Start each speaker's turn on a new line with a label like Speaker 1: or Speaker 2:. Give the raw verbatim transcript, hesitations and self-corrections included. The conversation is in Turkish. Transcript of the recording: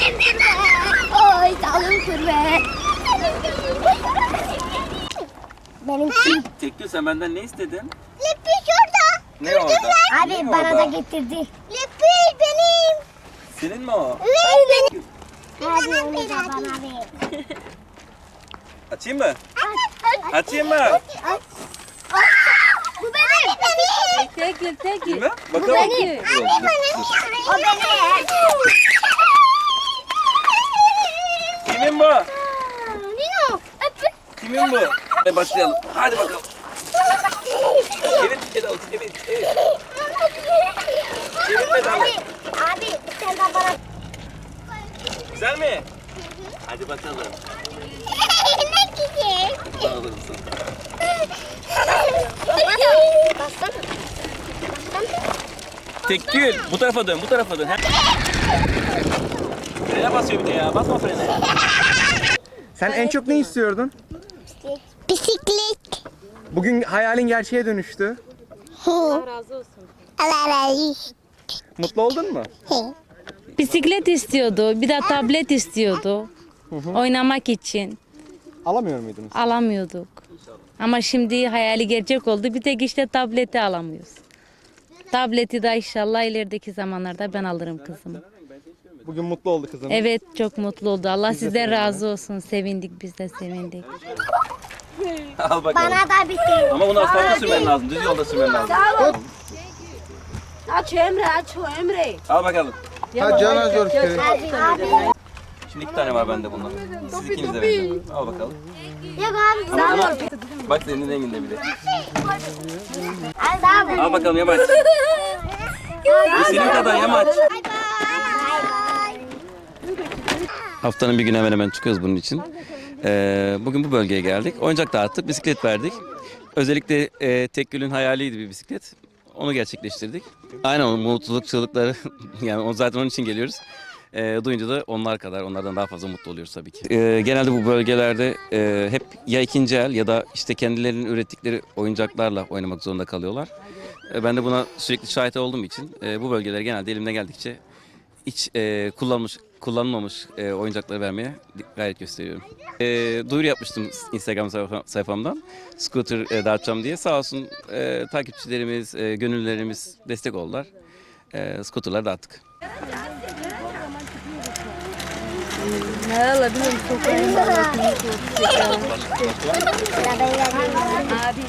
Speaker 1: Oy dalım kurbe. Benimki.
Speaker 2: Tekgül sen benden ne istedin?
Speaker 1: Lipi şurada.
Speaker 2: Ne orada?
Speaker 1: Abi
Speaker 2: Ne
Speaker 1: bana
Speaker 2: orada?
Speaker 1: da getirdi. Lipi benim.
Speaker 2: Senin mi o?
Speaker 1: Evet benim. Hadi onu da bana ver.
Speaker 2: Açayım mı?
Speaker 1: Aç, aç,
Speaker 2: Açayım mı?
Speaker 1: aç, aç. Bu benim. Benim.
Speaker 3: Tekil tekil.
Speaker 2: Değil mi? Bakalım.
Speaker 1: benim.
Speaker 2: Dur, dur, dur.
Speaker 1: O benim.
Speaker 2: Kimin bu?
Speaker 1: Nino. Öpün.
Speaker 2: Kimin bu? Hadi başlayalım. Hadi bakalım. Evet, pedal, evet, evet. Evet, pedal.
Speaker 1: Abi, abi sen de bana.
Speaker 2: Güzel mi? Hadi bakalım.
Speaker 1: Ne güzel.
Speaker 2: Bana alır mısın?
Speaker 1: Bassana.
Speaker 2: Tekgül, bu tarafa dön, bu tarafa dön. He? Frene basıyor bir de ya, basma frene.
Speaker 4: Sen en çok ne istiyordun?
Speaker 1: Bisiklet.
Speaker 4: Bugün hayalin gerçeğe dönüştü.
Speaker 3: Allah razı olsun.
Speaker 1: Allah razı olsun.
Speaker 4: Mutlu oldun mu?
Speaker 3: Bisiklet istiyordu, bir de tablet istiyordu. Oynamak için
Speaker 4: Alamıyor muydunuz?
Speaker 3: alamıyorduk. Ama şimdi hayali gerçek oldu. Bir tek işte tableti alamıyoruz. Tableti de inşallah ilerideki zamanlarda ben alırım kızımı.
Speaker 4: Bugün mutlu oldu kızım.
Speaker 3: Evet, çok mutlu oldu. Allah sizden razı olsun. Sevindik, biz de sevindik.
Speaker 2: Al bakalım.
Speaker 1: Bana da bir şey.
Speaker 2: Ama bunu asfaltta sürmen lazım, düz yolda sürmen lazım.
Speaker 5: Aç Emre, aç o Emre.
Speaker 2: Al bakalım.
Speaker 4: Ha cana zor kere.
Speaker 1: Abi, abi.
Speaker 2: Şimdi iki tane var bende bundan. Siz ikiniz de verin. Al bakalım.
Speaker 1: Yok abi.
Speaker 2: Ama, ama bak senin renginde bile.
Speaker 1: Al abi.
Speaker 2: Al bakalım yamaç. Bu senin kadar yamaç.
Speaker 1: Bye bye.
Speaker 2: Haftanın bir günü hemen hemen çıkıyoruz bunun için. Ee, bugün bu bölgeye geldik. Oyuncak dağıttık, bisiklet verdik. Özellikle e, Tekgül'ün hayaliydi bir bisiklet. Onu gerçekleştirdik. Aynen o mutluluk çığlıkları, yani o zaten onun için geliyoruz. E, duyunca da onlar kadar, onlardan daha fazla mutlu oluyoruz tabii ki. E, genelde bu bölgelerde e, hep ya ikinci el ya da işte kendilerinin ürettikleri oyuncaklarla oynamak zorunda kalıyorlar. E, ben de buna sürekli şahit olduğum için e, bu bölgelere genelde elimden geldikçe hiç e, kullanmış, kullanılmamış e, oyuncakları vermeye gayret gösteriyorum. E, duyuru yapmıştım Instagram sayfa- sayfamdan. Scooter e, dağıtacağım diye. Sağ olsun e, takipçilerimiz, e, gönüllerimiz destek oldular. E, scooterları dağıttık.
Speaker 3: Ne olabilir? Çok
Speaker 1: Abi.